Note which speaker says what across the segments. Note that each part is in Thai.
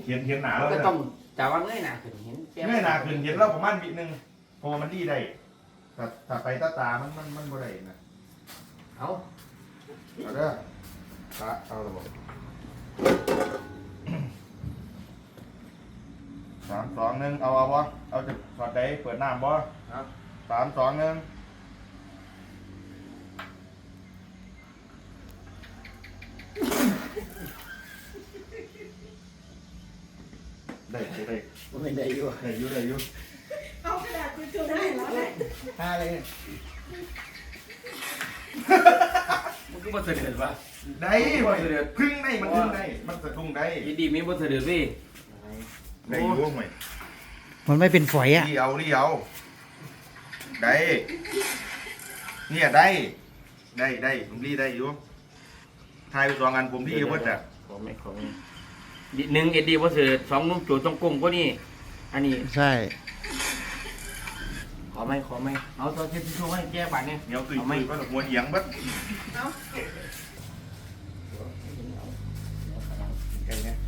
Speaker 1: เห็นหนาแล้ว
Speaker 2: ก็ต้องแต่ว่าเงยหน้าขึ้นเห็น
Speaker 1: เงยหนาขึ้นเห็นแล้วประมาณวินึงพอมันดีได้แต่ถ้าไปตามันบ่ได้นะเอาเด้อเอาระบบ3-2-1เอาบ่เอาจะสอดได้เปิดน้ำบ่ครับ3-2-1ได้
Speaker 2: ไม่ได้อยู่
Speaker 3: เอากระดาษทิชชู่ให้แล้วเลย
Speaker 2: ท่าเลยมันก็บ่เสด็จวะ
Speaker 1: ได้บ่เดือดพึ่งได้มันพึ่งได้มันสะดุ้งได้
Speaker 2: ยินดีมีบ่เสด็จพี่
Speaker 1: ได้อยู่ไหม
Speaker 4: มันไม่เป็นฝอยอ่ะ
Speaker 1: นี่เอาได้เนี่ยได้ผมรีได้อยู่ทายไป2 อันผมรีเยอะเบิดอ่ะ
Speaker 2: ของหนึ่งเอ็ดดีบ่เสด็จ2นุ่มโจต้องกลมก็นี่อันนี้
Speaker 4: ใช่
Speaker 2: ขอไหมเอาตัวเช็ดทิชชู่ให้แก้บัตรเนี่ย
Speaker 1: เหนียวตุยก็หัวเอียงบัดไก่นะ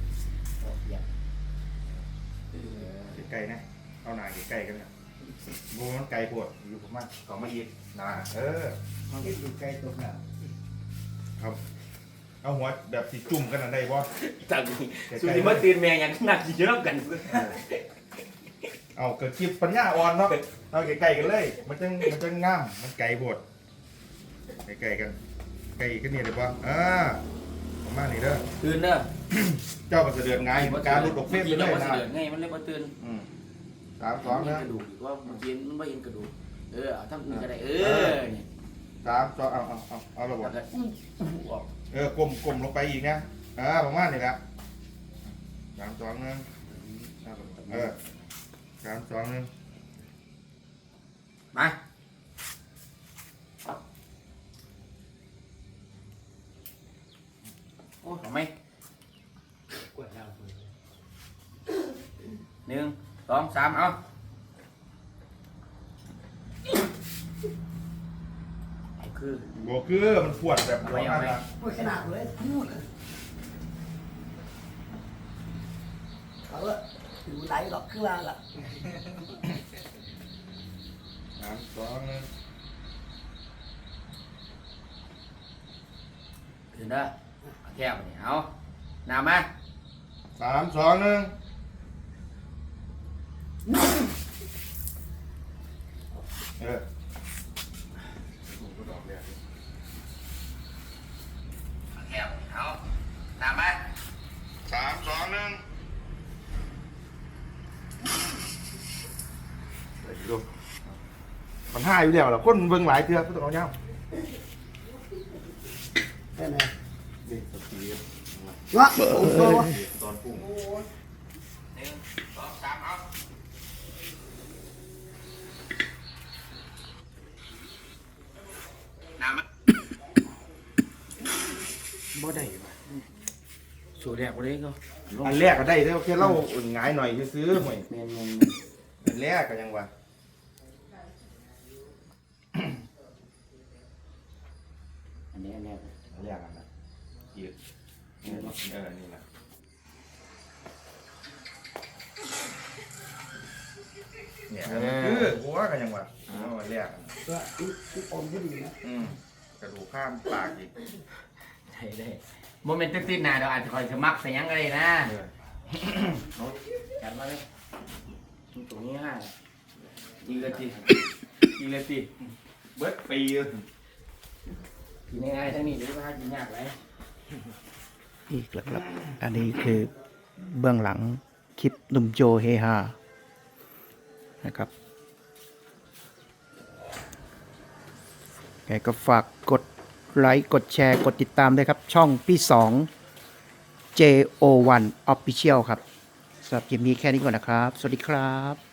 Speaker 1: ไก่นะเอาหน่าไก่กันนะโบมันไก่ปวดอยู่ผมมาขอมาอีกนะ
Speaker 2: มันก็อยู่ใกล้ตรงนั้น
Speaker 1: ครับเอาหัวแบบสีจุ่มกันได้บ่
Speaker 2: จังสุดที่มาตื่นแม่ยังนักเยอะกัน
Speaker 1: เอาเกิดคลิปปัญญาอ่อนเนาะเอาไก่กันเลยมันจะงามมันไก่ปวดไก่กันเนี่ยได้ป่ะประมาณนี้เด้อ
Speaker 2: ตื่นเด้อ
Speaker 1: เจ้าก็เสด็จไงการหลุดออกเฟซไปเลย
Speaker 2: นะ
Speaker 1: นะ
Speaker 2: ไงมันเลยมาตื่น
Speaker 1: 3-2
Speaker 2: นะ
Speaker 1: นะ
Speaker 2: กระดูกว่าเมื่อกี้มันไม่เห็นกระดูกเอาทั้งอื่นก็ได้เนี่ย
Speaker 1: 3-2เอาระบบกลมลงไปอีกนะประมาณนี้แหละ3-2 นะ3-2 นะ
Speaker 2: มาโอ้ทำไม1 2 3เอา
Speaker 1: คือมันปวดแบบร้อนนะ
Speaker 3: โอ้ยขนาดเลยเขาอะอยู่ไหนหรอกคือว่าล่ะ
Speaker 1: 3-2 นะ
Speaker 2: ถึงเด้อแก้วนี่เอาน้ำมา
Speaker 1: 3-2 นะ
Speaker 2: แก้วเอาน้ำมา
Speaker 1: 3-2 นะดูมัน5อยู่แล้วล่ะคนเบิ่งหลายเทื่อก็ต้องเอาเงา
Speaker 3: ใช่ไหม
Speaker 1: ดิสตี
Speaker 3: วะโอ้โห
Speaker 1: ตอนปรุง
Speaker 2: 1 2 3เอาน้ำมาบ่ได้ว่ะสูตรแรกบ่ได้ก็
Speaker 1: อันแรกก็ได้เด้อแค่เล่าหงายหน่อยซื้อหน่อย
Speaker 2: แม่น
Speaker 1: อันแรกก็ยังว่า
Speaker 2: อันนี้
Speaker 1: อันแรกอันนั้นอีกนี่แหละเนี่ยคือหัวก็ยังว่าอันแรก
Speaker 3: ก็ที่อมก็ดีนะ
Speaker 1: กระดูกข้ามปากอีก
Speaker 2: ได้โมเมนต์ติดๆนะเดี๋ยวอาจจะคอยสมัครใส่ยังก็ได้นะเอาจัดมาเลยตรงนี้ฮะอีกเลยตี
Speaker 1: เบิดปี
Speaker 2: กินง่ายๆทั้งนี้หรือว่ากินยากไร
Speaker 4: อีกแล้วครับ อันนี้คือเบื้องหลังคลิปหนุ่มโจเฮฮานะครับไงก็ฝากกดไลค์กดแชร์กดติดตามด้วยครับ ช่องพี่2 JO1 Official ครับสำหรับคลิปนี้แค่นี้ก่อนนะครับ สวัสดีครับ